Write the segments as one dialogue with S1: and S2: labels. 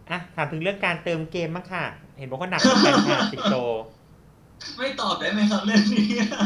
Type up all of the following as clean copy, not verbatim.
S1: ถามถึงเรื่องการเติมเกมบ้างค่ะเห็นบอกว่าหนักเหมือนกันค่ะสิงโต
S2: ไม่ตอบได้ไหมครับเรื่องนี้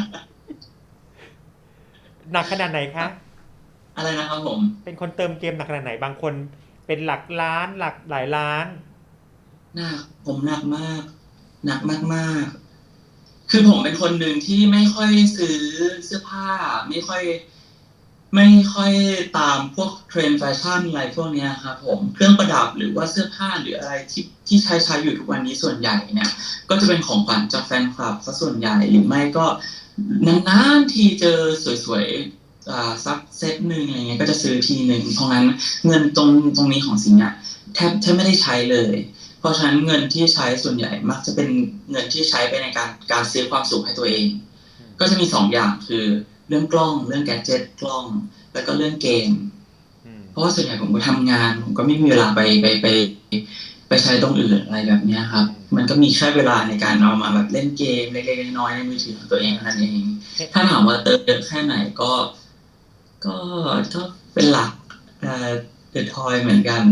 S1: หนักขนาดไหนคะ
S2: อะไรนะครับผม
S1: เป็นคนเติมเกมหนักขนาดไหนบางคนเป็นหลักล้านหลักหลายล้าน
S2: หนักผมหนักมากหนักมากๆคือผมเป็นคนหนึ่งที่ไม่ค่อยซื้อเสื้อผ้าไม่ค่อยไม่ค่อยตามพวกเทรนด์แฟชั่นอะไรพวกเนี้ยครับผมเครื่องประดับหรือว่าเสื้อผ้าหรืออะไรที่ใช้อยู่ทุกวันนี้ส่วนใหญ่เนี่ยก็จะเป็นของขวัญจากแฟนคลับซะส่วนใหญ่หรือไม่ก็นานๆทีเจอสวยๆสักเซตหนึ่งอะไรเงี้ยก็จะซื้อทีหนึ่งเพราะงั้นเงินตรงนี้ของสิงห์อะแทบไม่ได้ใช้เลย เพราะฉะนั้นเงินที่ใช้ส่วนใหญ่มักจะเป็นเงินที่ใช้ไปในการซื้อความสุขให้ตัวเองก็จะมีสองอย่างคือเรื่องกล้องเรื่องแกดเจ็ตกล้องแล้วก็เรื่องเกมเพราะว่าส่วนใหญ่ผมก็ทำงานผมก็ไม่มีเวลาไปใช้ตรงอื่นอะไรแบบนี้ครับมันก็มีแค่เวลาในการเอามาแบบเล่นเกมเล็กๆน้อยๆในมือถือของตัวเองนั่นเองถ้าถามว่าเติมเยอะแค่ไหนก็ก็เป็นหลักเดอะทอยเหมือนกัน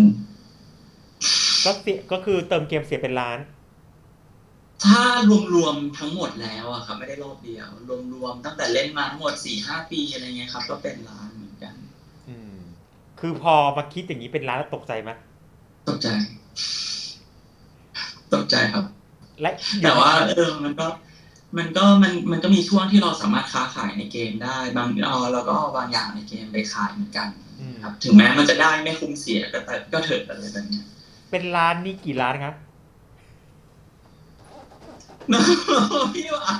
S1: ก็คือเติมเกมเสียเป็นล้าน
S2: ถ้ารวมๆทั้งหมดแล้วอะครับไม่ได้รอบเดียวรวมๆตั้งแต่เล่นมาทั้งหมด4-5 ปีอะไรเงี้ยครับก็เป็นล้านเหมือนกัน
S1: อืมคือพอมาคิดอย่างนี้เป็นล้านแล้วตกใจไหม
S2: ตกใจตกใจครับ
S1: และอยู่
S2: แต่ว่า
S1: ในนั้น
S2: มันก็มีช่วงที่เราสามารถค้าขายในเกมได้เราก็เอาบางอย่างในเกมไปขายเหมือนกันครับถึงแม้มันจะได้ไม่คุ้มเสียก็เถิดอะไรแบบเนี้ย
S1: เป็นล้านนี่กี่ล้านครับ
S2: พี่ว่า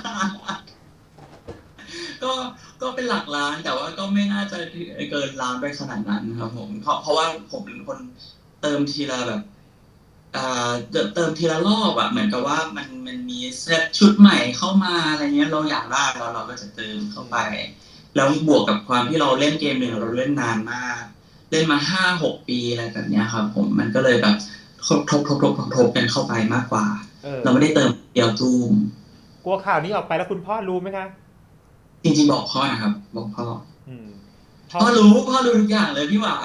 S2: ก็ก็เป็นหลักล้านแต่ว่าก็ไม่น่าจะเกินล้านไปขนาดนั้นครับผมเพราะว่าผมเป็นคนเติมทีละแบบอ่เติมทีละรอบอะเหมือนกับว่ามันมีเซตชุดใหม่เข้ามาอะไรเงี้ยเราอยากได้แล้วเราก็จะเติมเข้าไปแล้วบวกกับความที่เราเล่นเกมหนึ่งเราเล่นนานมากเล่นมา5-6 ปีอะไรแบบเนี้ยครับผมมันก็เลยแบบทบกันเข้าไปมากกว่าเราไม่ได้เติมเดียวตูม
S1: กลัวข่าวนี้ออกไปแล้วคุณพ่อรู้ไหมคะ
S2: จริงๆบอกพ่อนะครับบอกพ่อ
S1: อืมพ่อ
S2: พ่อรู้ทุกอย่างเลยพี่หวา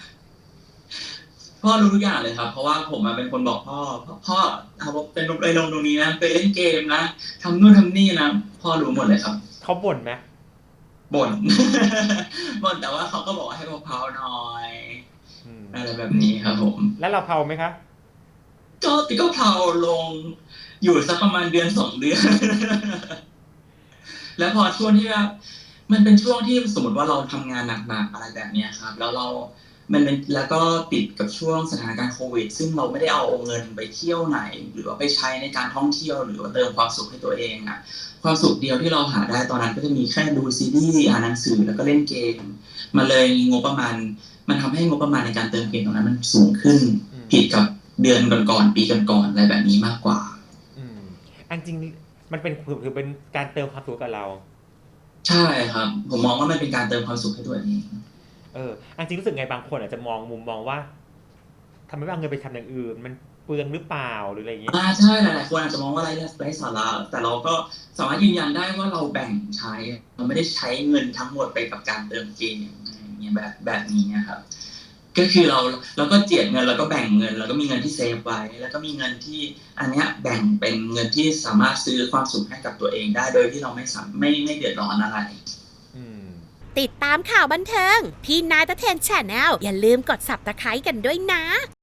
S2: พ่อรู้ทุกอย่างเลยครับเพราะว่าผมเป็นคนบอกพ่อเอาเป็นลงไปลงตรงนี้นะไปเล่นเกมนะทำนู่นทำนี่นะพ่อรู้หมดเลยครับ
S1: เขาบ่นไหม
S2: บ่นบ่นแต่ว่าเขาก็บอกให้เผาๆหน่อย
S1: อืม
S2: อะไรแบบนี้ครับผม
S1: แล้วเราเผาไหมคะ
S2: ก็เผาลงอยู่สักประมาณ1-2 เดือนแล้วพอช่วงที่ว่ามันเป็นช่วงที่สมมติว่าเราทำงานหนักๆอะไรแบบนี้ครับแล้วมันเป็นแล้วก็ติดกับช่วงสถานการณ์โควิดซึ่งเราไม่ได้เอาเงินไปเที่ยวไหนหรือว่าไปใช้ในการท่องเที่ยวหรือว่าเติมความสุขให้ตัวเองอะความสุขเดียวที่เราหาได้ตอนนั้นก็จะมีแค่ดูซีรีส์อ่านหนังสือแล้วก็เล่นเกมมาเลยงบประมาณมันทำให้งบประมาณในการเติมเกมตรงนั้นมันสูงขึ้นผิดกับเดือนก่อนๆปีก่อนๆอะไรแบบนี้มากกว่า
S1: อืมอันจริงมันเป็นถือเป็นการเติมความสุขกับเรา
S2: ใช่ครับผมมองว่ามันเป็นการเติมความสุขให้ตัวเอง
S1: อันจริงรู้สึกไงบางคนอาจจะมองมุมมองว่าทำไมไม่เอาเงินไปทำอย่างอื่นมันเปลืองหรือเปล่าหรืออะไรอย่างนี้
S2: ใช่หลายๆคนอาจจะมองว่าไร้สาระแต่เราก็สามารถยืนยันได้ว่าเราแบ่งใช้เราไม่ได้ใช้เงินทั้งหมดไปกับการเติมเกมอะไรอย่างเงี้ยแบบนี้นะครับก็คือเราก็เจียดเงินแล้วก็แบ่งเงินแล้วก็มีเงินที่เซฟไว้แล้วก็มีเงินที่อันเนี้ยแบ่งเป็นเงินที่สามารถซื้อความสุขให้กับตัวเองได้โดยที่เราไม่เดือดร้อนอะไร
S1: อืม
S3: ติดตามข่าวบันเทิงพี่นายตะเทนแชนแนลอย่าลืมกด Subscribe กันด้วยนะ